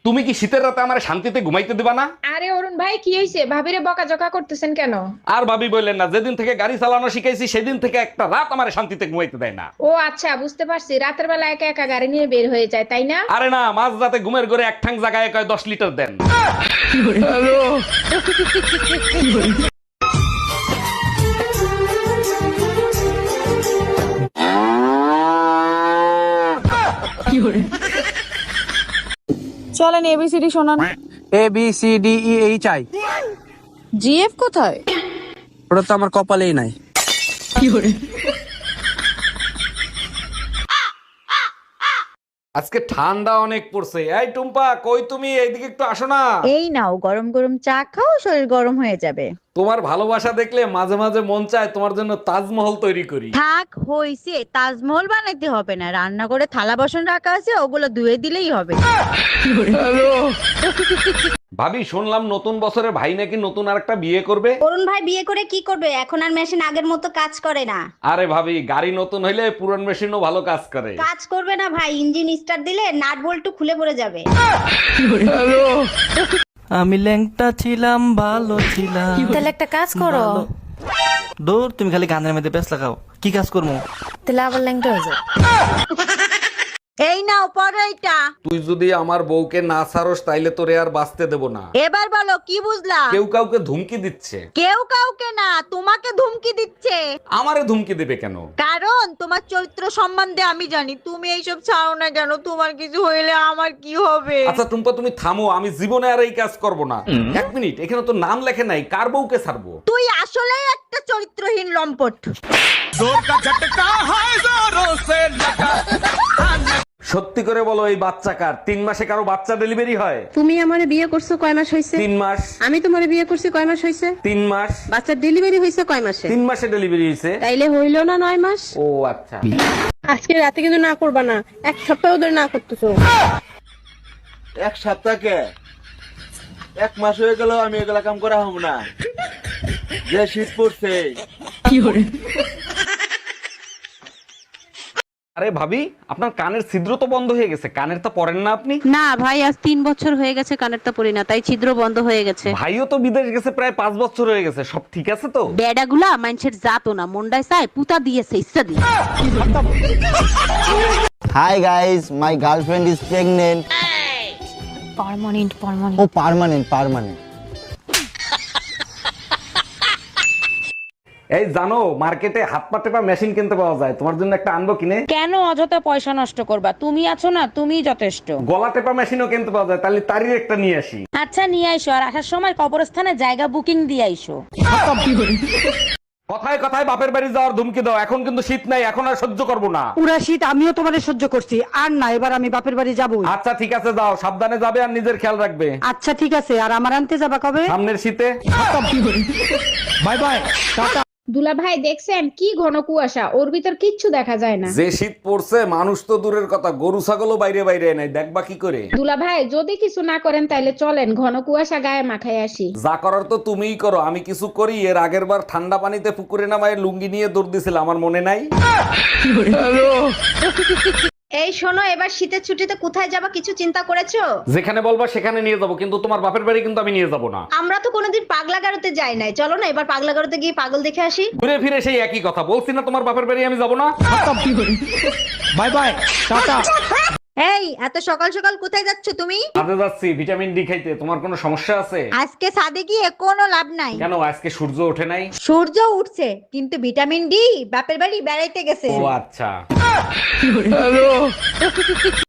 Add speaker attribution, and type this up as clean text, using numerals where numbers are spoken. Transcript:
Speaker 1: তুমি কি শীতের রাতে আমার শান্তিতে ঘুমাইতে দিবা না?
Speaker 2: আরে অরুণ ভাই কি হয়েছে? ভাবিরে বকাঝকা করতেছেন কেন?
Speaker 1: আর ভাবি বললেন না, যেদিন থেকে গাড়ি চালানো শিখাইছি সেদিন থেকে একটা রাত আমার শান্তিতে ঘুমাইতে দেয় না।
Speaker 2: ও আচ্ছা, বুঝতে পারছি। রাতের বেলা একা একা গাড়ি নিয়ে বের হয়ে যায়, তাই না?
Speaker 1: আরে না, মাঝ রাতে ঘুমের ঘরে এক ঠাং জায়গায় কয় 10 লিটার দেন।
Speaker 3: চলেন এবিসিডি শোনান।
Speaker 4: ABCDEHI।
Speaker 3: জিএফ কোথায়?
Speaker 4: ওটা তো আমার কপালেই নাই।
Speaker 1: আজকে ঠান্ডা অনেক পড়ছে। এই টুম্পা, কই তুমি? এইদিকে একটু আসো না।
Speaker 5: এই নাও গরম গরম চা খাও, শরীর গরম হয়ে যাবে।
Speaker 1: তোমার ভালোবাসা দেখলে মাঝে মাঝে মন চায় তোমার জন্য তাজমহল তৈরি করি।
Speaker 5: থাক হইছে, তাজমহল বানাইতে হবে না, রান্না করে থালা বাসন রাখা আছে, ওগুলো ধুয়ে দিলেই হবে।
Speaker 1: ভাবি, শুনলাম নতুন বছরে ভাই নাকি নতুন আরেকটা বিয়ে করবে।
Speaker 6: অরুণ ভাই বিয়ে করে কি করবে? এখন আর মেশিন আগের মতো কাজ করে না।
Speaker 1: আরে ভাবি, গাড়ি নতুন হইলে পুরান মেশিনও ভালো কাজ করে।
Speaker 6: কাজ করবে না ভাই, ইঞ্জিন স্টার্ট দিলে নাট বল্টু খুলে পড়ে যাবে।
Speaker 4: আমি ল্যাংটা ছিলাম, ভালো ছিলাম।
Speaker 7: তাহলে একটা কাজ করো।
Speaker 4: দূর, তুমি খালি গানের মধ্যে ব্যস্ত লাগাও। কি কাজ করবো?
Speaker 7: তাহলে আবার ল্যাংটা হয়ে যাও।
Speaker 5: এই নাও পড়ো এইটা।
Speaker 1: তুই যদি আমার বউকে না ছাড়স তাইলে তোরে আর বাঁচতে দেব না।
Speaker 5: এবার বলো কি বুঝলা?
Speaker 1: কেউ কাউকে ধুমকি দিচ্ছে।
Speaker 5: কেউ কাউকে না, তোমাকে ধুমকি দিচ্ছে।
Speaker 1: আমারে ধুমকি দেবে কেন?
Speaker 5: কারণ তোমার চরিত্র সম্বন্ধে আমি জানি। তুমি এইসব ছাড়ো না কেন? তোমার কিছু হইলে আমার কি হবে?
Speaker 1: আচ্ছা টুম্পা, তুমি থামো, আমি জীবনে আর এই কাজ করব না। এক মিনিট, এখানে তো নাম লেখে নাই, কার বউকে ছাড়বো?
Speaker 5: তুই আসলে একটা চরিত্রহীন লম্পট।
Speaker 1: সত্যি করে বলো, এই বাচ্চা কার? 3 মাসে কারো বাচ্চা ডেলিভারি হয়?
Speaker 8: তুমি আমারে বিয়ে করছো কয় মাস হয়েছে?
Speaker 1: 3 মাস।
Speaker 8: আমি তোমারে বিয়ে করছি কয় মাস হয়েছে?
Speaker 1: 3 মাস।
Speaker 8: বাচ্চার ডেলিভারি হয়েছে কয় মাসে?
Speaker 1: 3 মাসে ডেলিভারি হয়েছে।
Speaker 8: তাইলে হইলো না 9 মাস?
Speaker 1: ও আচ্ছা।
Speaker 8: আজকে রাতে কিন্তু না করবা না, 1 সপ্তাহ ধরে না করতেছো।
Speaker 9: 1 সপ্তাহকে 1 মাস হয়ে গেল আমি এগুলা কাম করা হব না। যে শীত পড়ছে।
Speaker 1: আরে ভাবি, আপনার কানের ছিদ্র তো বন্ধ হয়ে গেছে, কানের তো পরেন না আপনি?
Speaker 8: না ভাই, আজ 3 বছর হয়ে গেছে কানেরটা পরি না, তাই ছিদ্র বন্ধ হয়ে গেছে।
Speaker 1: ভাইও তো বিদেশ গেছে প্রায় 5 বছর হয়ে গেছে, সব ঠিক আছে তো?
Speaker 8: বেডাগুলা মানুষের জাতো না, মন্ডায় চায় পুতা দিয়েছে ইচ্ছা দিয়ে।
Speaker 10: Hi guys, my girlfriend is pregnant.
Speaker 7: Permanent
Speaker 10: Oh, permanent.
Speaker 1: এই জানো, মার্কেটে হাত পা টেপা মেশিন কিনতে পাওয়া যায়, তোমার জন্য একটা আনবো কিনে?
Speaker 3: কেন অযথা পয়সা নষ্ট করবা? তুমি আছো না, তুমিই যথেষ্ট।
Speaker 1: গলা টেপা মেশিনও কিনতে পাওয়া যায়, তাহলে তারই একটা নিয়ে আসি।
Speaker 3: আচ্ছা নিয়ে আইসো, আর আসার সময় কবরস্থানে জায়গা বুকিং দিয়ে আইসো।
Speaker 1: কথায় কথায় বাপের বাড়ি যাওয়ার ধুমকি দাও। এখন কিন্তু শীত নাই, এখন আর সহ্য করবো না।
Speaker 11: পুরা শীত আমিও তোমারে সহ্য করছি, আর না, এবার আমি বাপের বাড়ি যাবো।
Speaker 1: আচ্ছা ঠিক আছে, যাও, সাবধানে যাবে আর নিজের খেয়াল রাখবে।
Speaker 11: আচ্ছা ঠিক আছে, আর আমার আনতে যাবা কবে?
Speaker 1: সামনের শীতে।
Speaker 4: বাই বাই, টাটা।
Speaker 2: দুলা ভাই দেখছেন কি ঘন কুয়াশা, ওর ভিতর কিচ্ছু দেখা যায় না।
Speaker 1: যে শীত পড়ছে, মানুষ তো দূরের কথা, গরু ছাগলও বাইরে বাইরে নাই, দেখবা কি করে?
Speaker 2: দুলা ভাই যদি কিছু না করেন তাইলে চলেন ঘন কুয়াশা গায়ে মাখায় আসি।
Speaker 1: যা করার তো তুমিই করো, আমি কিছু করি? এর আগের বার ঠান্ডা পানিতে পুকুরে নামায় লুঙ্গি নিয়ে দৌড় দিছিল, আমার মনে নাই?
Speaker 6: এই শোনো, এবার শীতের ছুটিতে কোথায় যাবা কিছু চিন্তা করেছো?
Speaker 1: যেখানে বলবা সেখানে নিয়ে যাবো, কিন্তু তোমার বাপের বাড়ি কিন্তু আমি নিয়ে যাবো না।
Speaker 6: আমরা তো কোনোদিন পাগলা গারোতে যাই নাই, চলো না এবার পাগলা গারোতে গিয়ে পাগল দেখে আসি।
Speaker 1: ঘুরে ফিরে সেই একই কথা বলছি না, তোমার বাপের বাড়ি আমি যাবো না।
Speaker 4: বাই বাই, টাটা।
Speaker 5: এই এত সকাল সকাল কোথায় যাচ্ছ তুমি?
Speaker 1: কাজে যাচ্ছি ভিটামিন ডি খাইতে। তোমার কোনো সমস্যা আছে?
Speaker 5: আজকে ছাদে গিয়ে কোনো লাভ নাই।
Speaker 1: কেন, আজকে সূর্য ওঠে নাই?
Speaker 5: সূর্য উঠছে, কিন্তু ভিটামিন ডি বাপের বাড়ি বেড়াইতে গেছে।
Speaker 1: ও আচ্ছা।